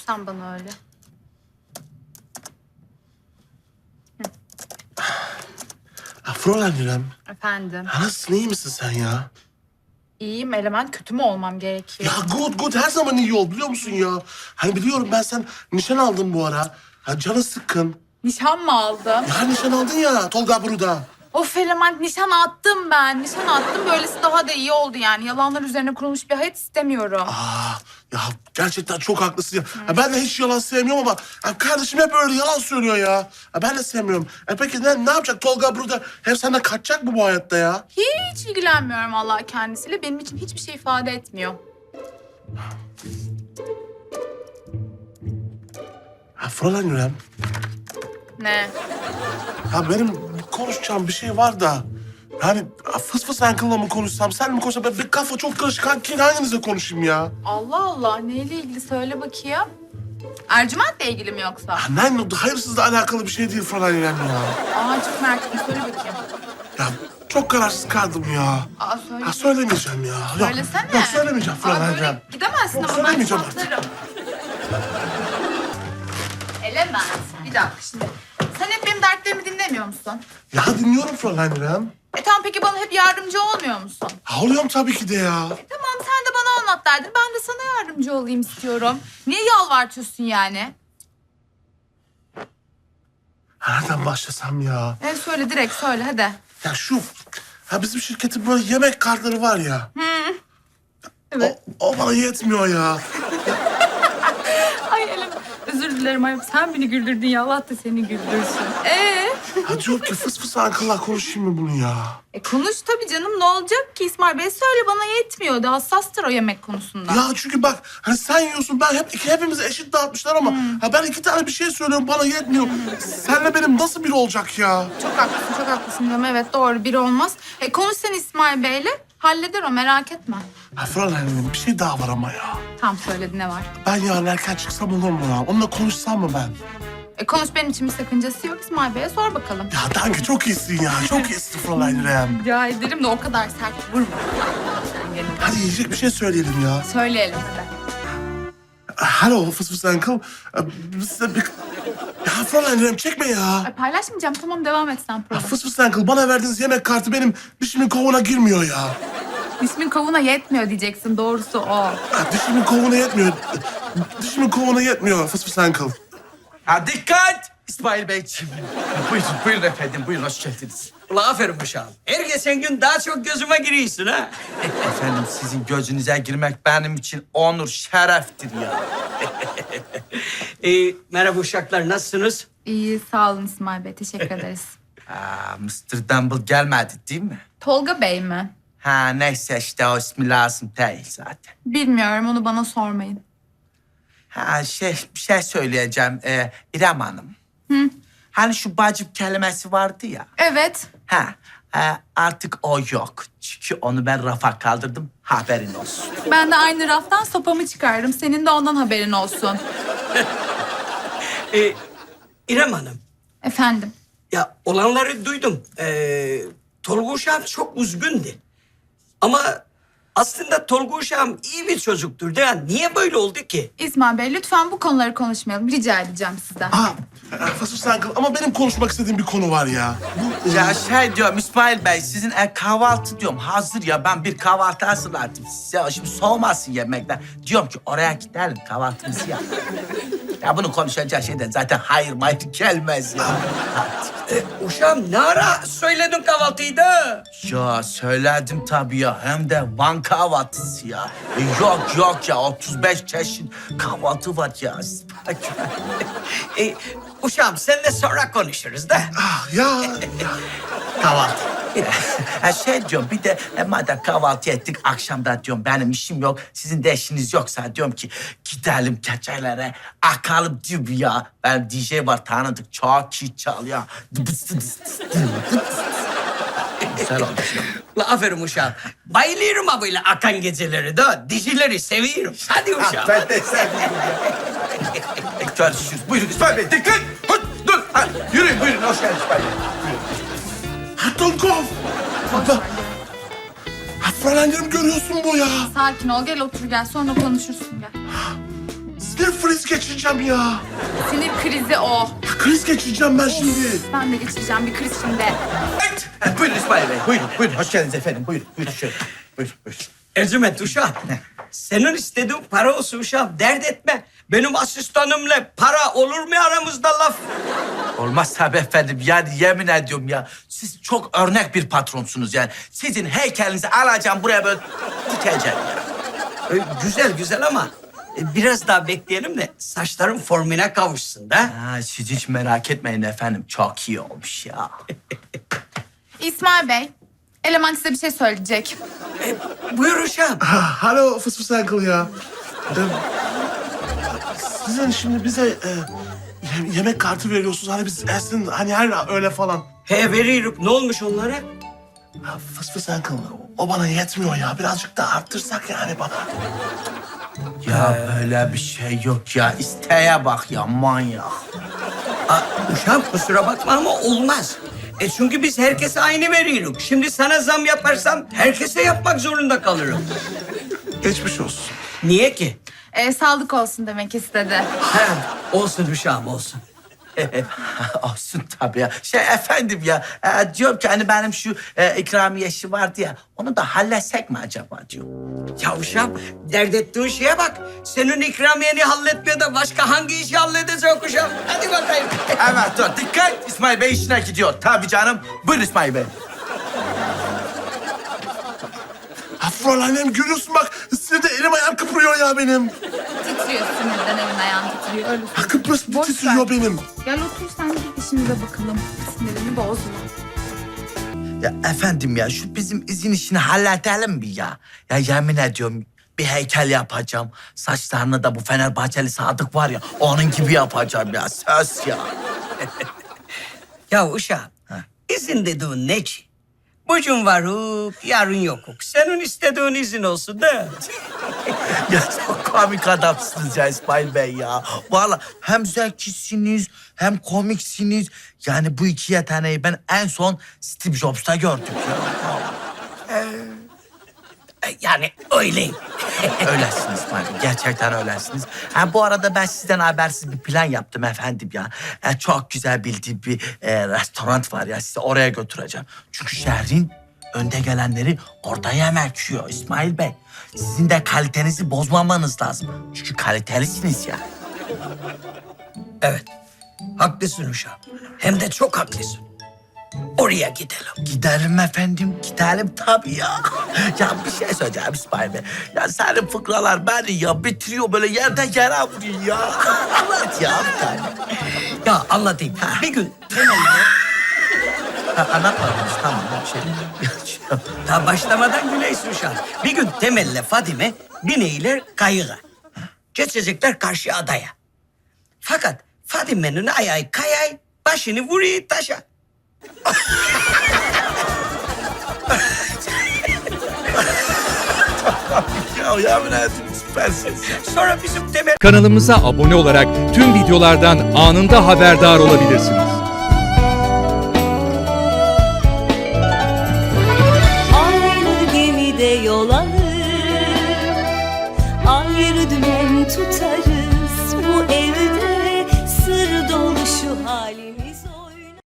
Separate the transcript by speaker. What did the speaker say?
Speaker 1: sen bana öyle.
Speaker 2: Ha, Fräulein İrem.
Speaker 1: Efendim.
Speaker 2: Ha, nasılsın, iyi misin sen ya?
Speaker 1: İyiyim Element. Kötü mü olmam gerekiyor?
Speaker 2: Ya good her zaman iyi ol biliyor musun ya? Hani biliyorum ben sen nişan aldın bu ara. Ha, canın sıkkın.
Speaker 1: Nişan mı aldım?
Speaker 2: Ya nişan aldın ya Tolga Bruda.
Speaker 1: Of Element, nişan attım ben. Nişan attım. Böylesi daha da iyi oldu yani. Yalanlar üzerine kurulmuş bir hayat istemiyorum.
Speaker 2: Ya gerçekten çok haklısın ya. Ya ben de hiç yalan sevmiyorum ama ya kardeşim hep öyle yalan söylüyor ya. Ya ben de sevmiyorum. Peki ne yapacak Tolga Bruda? Hem senden kaçacak mı bu hayatta ya?
Speaker 1: Hiç ilgilenmiyorum Allah kendisiyle. Benim için hiçbir şey ifade etmiyor.
Speaker 2: Ha Fräulein İrem.
Speaker 1: Ne?
Speaker 2: Ya benim konuşacağım bir şey var da. Yani fıs fıs Uncle'la mı konuşsam, sen mi konuşsam? Bir kafa çok karışık. Hanginizle konuşayım ya?
Speaker 1: Allah Allah. Neyle ilgili söyle bakayım. Ercüment'le ilgili mi yoksa?
Speaker 2: Hayırsızla alakalı bir şey değil Fräulein İrem ya.
Speaker 1: Çok merak ettim. Söyle bakayım.
Speaker 2: Ya çok kararsız kaldım ya.
Speaker 1: Söyle.
Speaker 2: Ya söylemeyeceğim ya.
Speaker 1: Söylesene.
Speaker 2: Yok söylemeyeceğim Fräulein
Speaker 1: böyle
Speaker 2: İrem.
Speaker 1: gidemezsin
Speaker 2: Yok,
Speaker 1: ama ben
Speaker 2: söylemeyeceğim artık.
Speaker 1: saplarım. Element. Bir dakika şimdi. Sen hep benim dertlerimi dinlemiyor musun?
Speaker 2: Ya dinliyorum Fräulein İrem.
Speaker 1: Tamam, peki bana hep yardımcı olmuyor musun?
Speaker 2: Ha oluyorum tabii ki de ya.
Speaker 1: Tamam, sen de bana anlat derdin. Ben de sana yardımcı olayım istiyorum. Niye yalvartıyorsun yani?
Speaker 2: Nereden başlasam ya?
Speaker 1: Söyle, direkt söyle hadi.
Speaker 2: Ya bizim şirketin böyle yemek kartları var ya.
Speaker 1: Evet.
Speaker 2: O bana yetmiyor ya.
Speaker 1: Ay Elim, özür dilerim ayıp. Sen beni güldürdün ya, Allah da seni güldürsün.
Speaker 2: Ha diyor ki fıs fıs Uncle'la konuşayım mı bunu ya?
Speaker 1: Konuş tabii canım, ne olacak ki İsmail Bey? Söyle, bana yetmiyor. Da hassastır o yemek konusunda.
Speaker 2: Ya çünkü bak hani sen yiyorsun ben hepimize eşit dağıtmışlar ama ha ben 2 tane bir şey söylüyorum bana yetmiyor. Senle benim nasıl bir olacak ya?
Speaker 1: Çok haklısın canım. Evet, doğru, biri olmaz. Konuş sen İsmail Bey'le. Halleder o, merak etme.
Speaker 2: Ha Fräulein bir şey daha var ama ya.
Speaker 1: Tam söyledi, ne var?
Speaker 2: Ben yarın erken çıksam olur mu ya? Onunla konuşsam mı ben?
Speaker 1: Konuş, benim için bir sakıncası yok. İsmail Bey'e sor bakalım.
Speaker 2: Ya danke çok iyisin ya. Çok iyisin Fräulein İrem.
Speaker 1: Rica ederim de o kadar sert vurma. Sen gene.
Speaker 2: Hadi yiyecek bir şey söyleyelim ya.
Speaker 1: Söyleyelim hadi.
Speaker 2: Hello fıs fıs Uncle. Size bir... Ya Fräulein İrem çekme ya.
Speaker 1: Paylaşmayacağım, tamam, devam et sen
Speaker 2: Ya
Speaker 1: program.
Speaker 2: fıs fıs Uncle bana verdiğiniz yemek kartı benim dişimin kovuğuna girmiyor ya.
Speaker 1: İsmin kavuna yetmiyor diyeceksin, doğrusu o.
Speaker 2: Ya dişimin kovuğuna yetmiyor. Dişimin kovuğuna yetmiyor fıs fıs Uncle.
Speaker 3: Ha dikkat! İsmail Beyciğim. Buyurun efendim, buyurun hoş geldiniz.
Speaker 4: Ula aferin uşağım. Her geçen gün daha çok gözüme giriyorsun ha.
Speaker 3: Efendim sizin gözünüze girmek benim için onur, şereftir ya.
Speaker 4: Merhaba uşaklar, nasılsınız?
Speaker 1: İyi, sağ olun İsmail Bey, teşekkür ederiz.
Speaker 3: Mr. Dumble gelmedi değil mi?
Speaker 1: Tolga Bey mi?
Speaker 3: Ha neyse işte o ismi lazım değil zaten.
Speaker 1: Bilmiyorum, onu bana sormayın.
Speaker 3: Ha bir şey söyleyeceğim İrem Hanım. Hani şu bacım kelimesi vardı ya.
Speaker 1: Evet.
Speaker 3: Artık o yok. Çünkü onu ben rafa kaldırdım, haberin olsun.
Speaker 1: Ben de aynı raftan sopamı çıkardım. Senin de ondan haberin olsun.
Speaker 4: İrem Hanım,
Speaker 1: Efendim?
Speaker 4: ya olanları duydum. Tolga uşağım çok üzgündü. Ama aslında Tolga uşağım iyi bir çocuktur. Ya niye böyle oldu ki?
Speaker 1: İsmail Bey, lütfen bu konuları konuşmayalım. Rica edeceğim sizden.
Speaker 2: Fıs fıs Uncle ama benim konuşmak istediğim bir konu var ya.
Speaker 3: Ya diyorum İsmail Bey sizin kahvaltı diyorum hazır ya ben bir kahvaltı hazırladım size. Şimdi soğumasın yemekler. Diyorum ki oraya gidelim kahvaltımızı yap. Ya bunu konuşacağı şeyden zaten hayır gelmez ya.
Speaker 4: Uşağım ne ara söyledin kahvaltıyı da?
Speaker 3: Ya söyledim tabii ya hem de Van kahvaltısı ya. Yok ya 35 çeşit kahvaltı var ya.
Speaker 4: Uşağım seninle sonra konuşuruz da.
Speaker 2: Ya
Speaker 4: Kahvaltı.
Speaker 3: Diyorum bir de madem kahvaltı ettik akşamda diyorum benim işim yok. Sizin de işiniz yoksa diyorum ki gidelim keçelere akalım diyorum ya. Benim DJ var tanıdık çok iyi çalıyor. Güzel olmuş ya.
Speaker 4: Ula aferin uşağım. Bayılıyorum ha böyle akan geceleri de. Dizileri seviyorum. Hadi uşağım.
Speaker 3: Ben de sevdim. Görüşürüz. Buyurun İsmail Bey dikkat. Dur. Yürüyün buyurun hoş geldiniz İsmail Bey.
Speaker 2: Tolkov. Fräulein İrem görüyorsun bu ya.
Speaker 1: Sakin ol, gel otur gel. Sonra konuşursun gel.
Speaker 2: Siz ne sinir kriz geçireceğim ya.
Speaker 1: Sinir krizi o.
Speaker 2: Kriz geçireceğim ben şimdi.
Speaker 1: Ben de geçireceğim bir kriz şimdi.
Speaker 3: Buyurun İsmail Bey. Buyurun. Hoş geldiniz efendim. Buyurun şöyle. Buyurun.
Speaker 4: Ercüment uşağım. Senin istediğin para olsun uşağım. Dert etme. Benim asistanımla para olur mu aramızda laf?
Speaker 3: Olmaz tabii efendim. Yani yemin ediyorum ya. Siz çok örnek bir patronsunuz yani. Sizin heykelinizi alacağım buraya böyle dikeceğim ya.
Speaker 4: Güzel ama biraz daha bekleyelim de saçların formuna kavuşsun da.
Speaker 3: Ha, siz hiç merak etmeyin efendim. Çok iyi olmuş ya.
Speaker 1: İsmail Bey, eleman size bir şey söyleyecek.
Speaker 4: Buyur uşağım.
Speaker 2: Alo Fıs Fıs Uncle ya. Ee, Sizin şimdi bize yemek kartı veriyorsunuz. Hani biz Ersin hani her öyle falan.
Speaker 4: He veriyorum. Ne olmuş onlara?
Speaker 2: Ya Fıs Fıs Uncle o bana yetmiyor ya. Birazcık daha arttırsak yani bana.
Speaker 3: Ya böyle bir şey yok ya. İsteğe bak ya manyak.
Speaker 4: Uşağım kusura bakma ama olmaz. Çünkü biz herkese aynı veriyoruz. Şimdi sana zam yaparsam herkese yapmak zorunda kalırım.
Speaker 2: Geçmiş olsun.
Speaker 4: Niye ki?
Speaker 1: Sağlık olsun demek istedi.
Speaker 4: He, olsun uşağım olsun.
Speaker 3: Olsun tabii ya. Efendim ya. Diyorum ki hani benim şu ikramiye işi vardı ya. Onu da halletsek mi acaba diyorum.
Speaker 4: Ya uşağım dert ettiğin şeye bak. Senin ikramiyeni halletmiyor da başka hangi işi halledecek uşağım? Hadi bakayım.
Speaker 3: Evet dur dikkat. İsmail Bey işine gidiyor. Tabii canım. Buyurun İsmail Bey.
Speaker 2: Ha Fräulein'im görüyorsun bak. Sinirde elim ayağım kıpırıyor ya benim.
Speaker 1: Titriyor sinirden elin ayağın titriyor. Öyle
Speaker 2: Ha Kıbrıs
Speaker 1: Boş
Speaker 2: titriyor
Speaker 1: ver.
Speaker 2: benim.
Speaker 1: Gel otur sen de işimize bakalım. Sinirini bozma.
Speaker 3: Ya efendim ya şu bizim izin işini halledelim mi ya? Ya yemin ediyorum bir heykel yapacağım. Saçlarını da bu Fenerbahçeli Sadık var ya onun gibi yapacağım ya. Söz ya.
Speaker 4: Ya uşağım izin dediğin ne ki? Bugün varuk, yarın yokuk. Senin istediğin izin olsun da.
Speaker 3: Ya çok komik adamsınız ya İsmail Bey ya. Vallahi hem zekisiniz hem komiksiniz. Yani bu iki yeteneği ben en son Steve Jobs'ta gördüm ya.
Speaker 4: Yani öyleyim.
Speaker 3: Öylesiniz İsmail Bey. Gerçekten öylesiniz. Ha, bu arada ben sizden habersiz bir plan yaptım efendim ya. Çok güzel bildiğim bir restoran var ya. Sizi oraya götüreceğim. Çünkü şehrin önde gelenleri orada yemek yiyor İsmail Bey. Sizin de kalitenizi bozmamanız lazım. Çünkü kalitelisiniz ya.
Speaker 4: Evet, haklısın uşağım. Hem de çok haklısın. Oraya gidelim.
Speaker 3: Gidelim efendim, gidelim tabii ya. Ya bir şey söyleyeceğim İsmail Bey. Ya senin fıkralar beni ya bitiriyor böyle yerden yere vuruyor ya. Anlat ya bir tane.
Speaker 4: Ya anlatayım. Bir gün temelde
Speaker 3: Anlatmadınız tamam bir şey.
Speaker 4: daha başlamadan güleysin uşağım. Bir gün Temel'le Fadime bineyler kayığa. Geçecekler karşı adaya. Fakat Fadime'nin ayağı kayay, başını vuruyor taşa.
Speaker 3: Ya yemin ederim süpersiniz ya.
Speaker 4: Sonra bizim Temel
Speaker 5: Kanalımıza abone olarak tüm videolardan anında haberdar olabilirsiniz.
Speaker 6: Aynı gemide yol alır, ayrı dümen tutarız.